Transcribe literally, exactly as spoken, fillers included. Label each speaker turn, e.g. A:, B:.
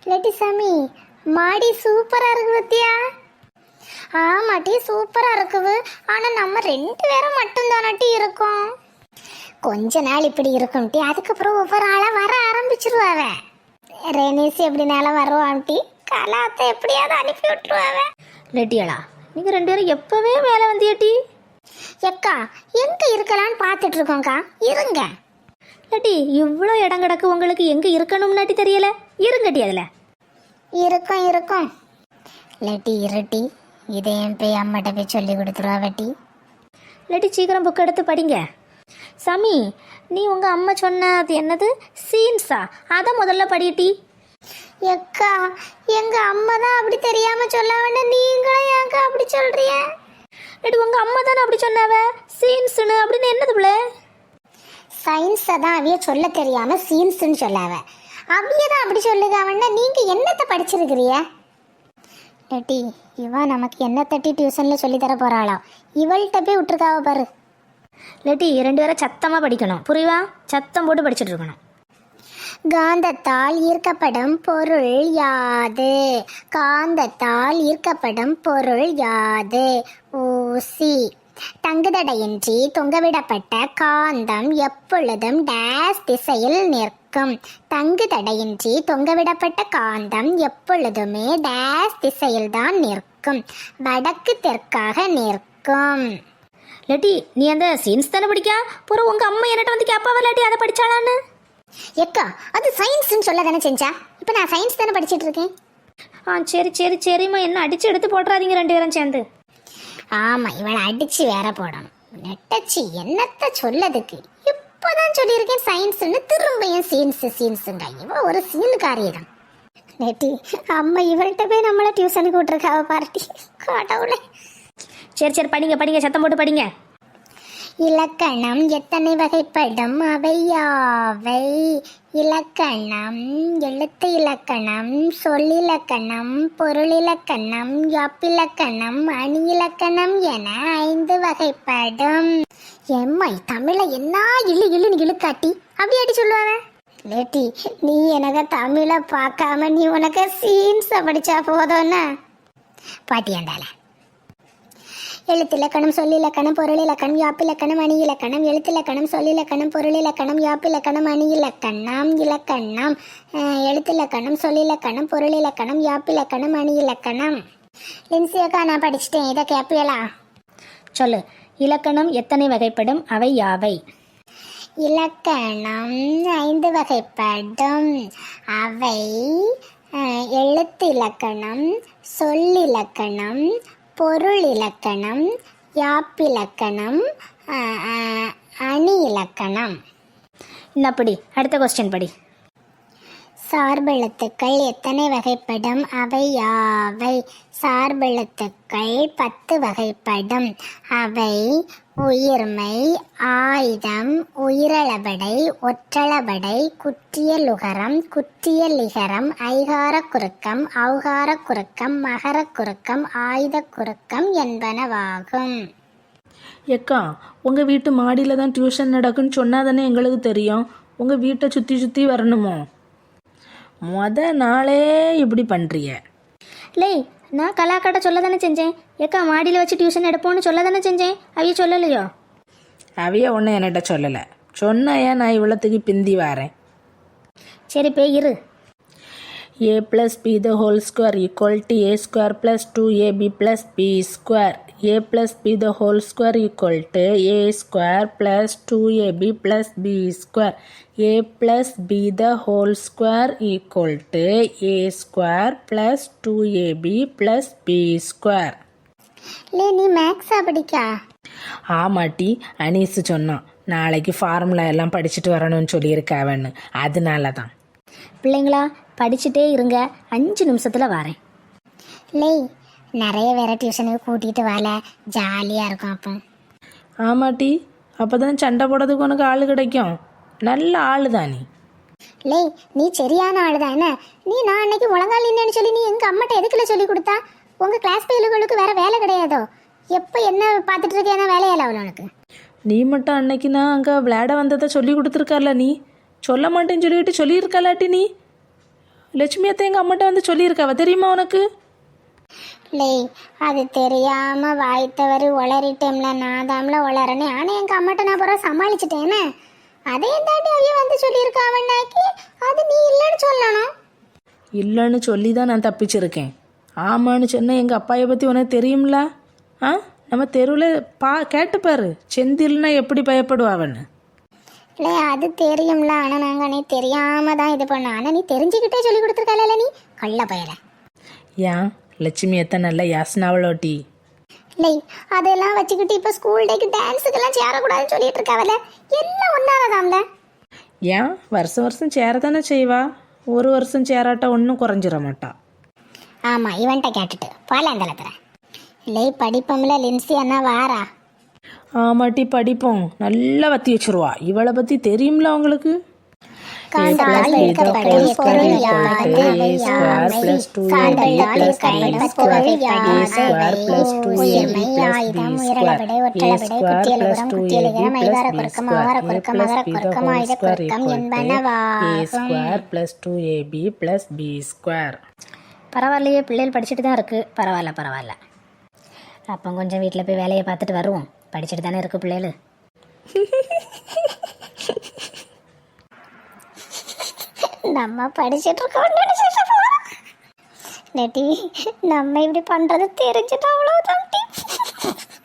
A: லட்டி சாமி மாடி சூப்பரா இருக்கு பத்தியா? ஆமாட்டி சூப்பரா இருக்குது. ஆனா நம்ம ரெண்டு பேரும் மட்டும் தானட்டி இருக்கோம். கொஞ்ச நாள் இப்படி இருக்கும் டி, அதுக்கப்புறம் ஒவ்வொரு ஆளா வர ஆரம்பிச்சிருவாவ. ரெனீஸ் எப்படினாலும் வருவான்ட்டி, கலாத்தை எப்படியாவது அனுப்பி விட்டுருவாவ.
B: லட்டியாளா நீங்க ரெண்டு பேரும் எப்பவே மேலே வந்தியாட்டி?
A: எக்கா எங்க இருக்கலான்னு பார்த்துட்டு இருக்கோங்க்கா, இருங்க.
B: லட்டி இவ்வளோ இடம் கிடக்கு, உங்களுக்கு எங்கே இருக்கணும்னாட்டி தெரியல. இருங்கட்டி அதில்
A: இருக்கும் இருக்கும். லட்டி இருட்டி, இதையும் போய் அம்மாட்ட போய் சொல்லி கொடுத்துருவா வட்டி.
B: லட்டி சீக்கிரம் புக் எடுத்து படிங்க. சாமி நீ உங்கள் அம்மா சொன்ன அது என்னது சீன்ஸா, அதை முதல்ல படிட்டி.
A: எக்கா எங்க அம்மா தான் அப்படி தெரியாம சொல்ல வேண்டாம், நீங்களும் ஏங்கா அப்படி சொல்றிய?
B: லட்டி உங்கள் அம்மா தானே அப்படி சொன்னாவ சீன்ஸுன்னு, அப்படின்னு என்னது பிள்ளை?
A: சயின்ஸை தான் அவைய சொல்ல தெரியாம சீன்ஸ்ன்னு சொல்லாவ, அவைய தான் அப்படி சொல்லுங்க. அவன்னா நீங்க என்னத்தை படிச்சிருக்கிறிய? லட்டி இவ நமக்கு என்ன தட்டி டியூஷன்ல சொல்லி தர போறாளோ, இவள்கிட்ட போய் விட்டுருக்காவ பாரு.
B: லட்டி ரெண்டு பேரும் சத்தமாக படிக்கணும், புரியுவா? சத்தம் போட்டு படிச்சுட்டு இருக்கணும்.
A: காந்தத்தால் ஈர்க்கப்படும் பொருள் யாது? காந்தத்தால் ஈர்க்கப்படும் பொருள் யாது? ஊசி. தங்குதடையின்றி தொங்கவிடப்பட்ட காந்தம் எப்பொழுதும் டேஸ் திசையில் நிற்கும். தங்குதடையின்றி தொங்கவிடப்பட்ட காந்தம் எப்பொழுதுமே டேஸ் திசையில் தான் நிற்கும், வடக்கு தெற்காக நிற்கும்.
B: லட்டி நீ அந்த சீன்ஸ் தானே படிக்கா, பிறகு உங்கள் அம்மா என்னட்ட வந்து கேட்பாவ லட்டி அதை படிச்சாளான்னு?
A: எக்கா அது சயின்ஸ்ன்னு சொல்ல தானே செஞ்சா, இப்போ நான் சயின்ஸ் தானே படிச்சுட்டு இருக்கேன்.
B: ஆ சரி சரி சரிம்மா, என்ன அடிச்சு எடுத்து போட்டுறாதீங்க ரெண்டு பேரும் சேர்ந்து.
A: ஆமா இவளை அடிச்சு வேற போடணும். நெட்டச்சி என்னத்த சொல்லதுக்கு, இப்போதான் சொல்லியிருக்கேன் சயின்ஸ்ன்னு, திரும்பியும் சீன்ஸ் சீன்ஸுங்க. இவ ஒரு சீனுக்காரியதான். நெட்டி அம்மா இவள்கிட்ட போய் நம்மள டியூஷனுக்கு விட்டுருக்காவ பார்ட்டி, கடவுளே.
B: சரி சரி படிங்க படிங்க, சத்தம் போட்டு படிங்க.
A: இலக்கணம் எத்தனை வகைப்படும், அவை யாவை? இலக்கணம் எழுத்து இலக்கணம், சொல்லிலக்கணம், பொருளிலக்கணம், யாப்பிலக்கணம், அணி இலக்கணம் என ஐந்து வகைப்படும். எம்மை தமிழை என்ன இழு இழுன்னு இழுக்காட்டி அப்படி அடி சொல்லுவாங்க. லேட்டி நீ எனக்கு தமிழை பார்க்காம நீ உனக்கு சீன்ஸை படிச்சா போதும்னா பாட்டியாண்டால. எழுத்திலக்கணம், சொல்லிலக்கணம், பொருளிலக்கணம், யாப்பிலக்கணம், அணி இலக்கணம். எழுத்திலக்கணம், சொல்லிலக்கணம், பொருளிலக்கணம், யாப்பிலக்கணம், அணி இலக்கணம். இலக்கணம் எழுத்திலக்கணம், சொல்லிலக்கணம், பொருளிலக்கணம், யாப்பிலக்கணம், அணி இலக்கணம். லின்சியக்கா நான் படிச்சுட்டேன், இதை கேப்பியலா?
B: சொல்லு. இலக்கணம் எத்தனை வகைப்படும், அவை யாவை?
A: இலக்கணம் ஐந்து வகைப்படும், அவை எழுத்து இலக்கணம், சொல்லிலக்கணம், பொருள் இலக்கணம், யாப்பிலக்கணம், அணி இலக்கணம்.
B: இன்னப்படி அடுத்த கொஸ்டின் படி.
A: சார்பெழுத்துக்கள் எத்தனை வகைப்படும், அவை யாவை? சார்பெழுத்துக்கள் பத்து வகைப்படும், அவை உயிர்மை, ஆயுதம், உயிரளபடை, ஒற்றளபடை, குற்றியலுகரம், குற்றியலிகரம், ஐகார குறுக்கம், ஔகார குறுக்கம், மகர குறுக்கம், ஆயுத குறுக்கம் என்பனவாகும்.
C: எக்கா உங்கள் வீட்டு மாடியில் தான் டியூஷன் நடக்குன்னு சொன்னால் தானே எங்களுக்கு தெரியும். உங்கள் வீட்டை சுற்றி சுற்றி வரணுமோ? மொத நாளே இப்படி பண்ணுறிய.
B: லே நான் கலாக்காட்ட சொல்ல தானே செஞ்சேன், ஏக்கா மாடியில் வச்சு டியூஷன் எடுப்போம்னு சொல்ல தானே செஞ்சேன், அவைய சொல்லலையோ?
C: அவைய ஒன்றும் என்கிட்ட சொல்லலை. சொன்னையா நான் இவ்வளோத்துக்கு பிந்தி வரேன்.
B: சரி போய் இரு.
C: A plus B the whole square equal to A square plus two A B plus B square. A plus B the whole square equal to A square plus two A B plus B square. A plus B the whole square equal to A square plus two A B plus B square.
A: லே நீ மேக்ஸா படிக்கா?
C: ஆமாட்டி, அனீஸ் சொன்னான் நாளைக்கு formula எல்லாம் படிச்சுட்டு வரணும்னு சொல்லியிருக்காவன்னு, அதனால தான்.
B: பிள்ளைங்களா படிச்சுட்டே இருங்க, அஞ்சு நிமிஷத்தில் வரேன்.
A: லே நிறைய வேற டியூஷனுக்கு கூட்டிகிட்டு வரல, ஜாலியாக இருக்கும் அப்போ.
C: ஆமாட்டி, அப்போ தான் சண்டை போடுறதுக்கு உனக்கு ஆள் கிடைக்கும். நல்ல ஆள் தான் நீ.
A: லே நீ சரியான ஆள் தான். என்ன நீ நான் அன்னைக்கு முழங்கால் இல்லைன்னு சொல்லி நீ எங்கள் அம்மாட்ட எதுக்குள்ள சொல்லி கொடுத்தா? உங்கள் கிளாஸ் பையலுகளுக்கு வேற வேலை கிடையாதோ? எப்போ என்ன பார்த்துட்டு இருக்கேன்னா வேலையால அவள் உனக்கு?
C: நீ மட்டும் அன்னைக்கு நான் அங்கே விளையாட வந்ததை சொல்லி கொடுத்துருக்கால, நீ சொல்ல மாட்டேன்னு சொல்லிட்டு சொல்லியிருக்கலாட்டி நீ லட்சுமி அத்தை எங்கள் அம்மாட்ட வந்து சொல்லியிருக்காவ தெரியுமா உனக்கு?
A: லே அது தெரியாம வாய்த்தவர் உளறிட்டேம்ல, நான் தாம்ல உளறனே. ஆனால் எங்கள் அம்மாட்ட நான் பிறகு சமாளிச்சிட்டேனே. அதையும் தாண்டி அவைய வந்து சொல்லியிருக்காவன்னாக்கி அது நீ இல்லைன்னு சொல்லணும்.
C: இல்லைன்னு சொல்லி தான் நான் தப்பிச்சிருக்கேன். ஆமான்னு சொன்ன எங்கள் அப்பாயை பற்றி உனக்கு தெரியும்ல? ஆ நம்ம தெருவில் பா கேட்டுப்பாரு, செந்தில்னா எப்படி பயப்படுவாவன்னு.
A: இல்லை அது தெரியும்ல, ஆனால் நாங்கள் நீ தெரியாமல் தான் இது பண்ணோம். ஆனால் நீ தெரிஞ்சுக்கிட்டே சொல்லி கொடுத்துருக்கல நீ கள்ள பயல.
C: ஏன் லட்சுமி அத்தை நல்ல யாசனாவளோட்டி.
A: இல்லை அதெல்லாம் வச்சுக்கிட்டு இப்போ ஸ்கூல் டேக்கு டான்ஸுக்கெல்லாம் சேரக்கூடாதுன்னு சொல்லிட்டு இருக்காவல, எல்லாம் ஒன்றாவதாம்ல.
C: ஏன் வருஷம் வருஷம் சேர தானே செய்வா, ஒரு வருஷம் சேராட்ட ஒன்றும் குறைஞ்சிட மாட்டா.
A: ஆமாம் இவன்ட்ட கேட்டுட்டு போல அந்த இடத்துல. இல்லை படிப்போம்ல லின்சி அண்ணா வாரா.
C: ஆமாட்டி படிப்போம், நல்லா வத்தி வச்சிருவா. இவளை பற்றி தெரியும்ல உங்களுக்கு?
A: காண்டால் இருக்கப்படும் பொருள் யாது? காண்டத்தால் இருக்கப்படும் பொருள் யாது? உயிர்மை ஆயுதம் உயிரளவிடை ஒற்றளவிடை குத்தியலுகரம் குத்தியலுகரம் ஐவார குறுக்கம் ஆவார குறுக்கம் மகர குறுக்கம் ஆயுத குறுக்கம் என்பனவாகும்.
B: பரவாயில்லையே, பிள்ளைகள் படிச்சுட்டு தான் இருக்குது. பரவாயில்ல பரவாயில்ல. அப்போ கொஞ்சம் வீட்டில் போய் வேலையை பார்த்துட்டு வருவோம். படிச்சுட்டு தானே இருக்குது பிள்ளைகள்.
A: நம்ம படிச்சுட்டு இருக்கோம் நெட்டி, நம்ம இப்படி பண்றது தெரிஞ்சுட்டு அவ்வளவுதான்.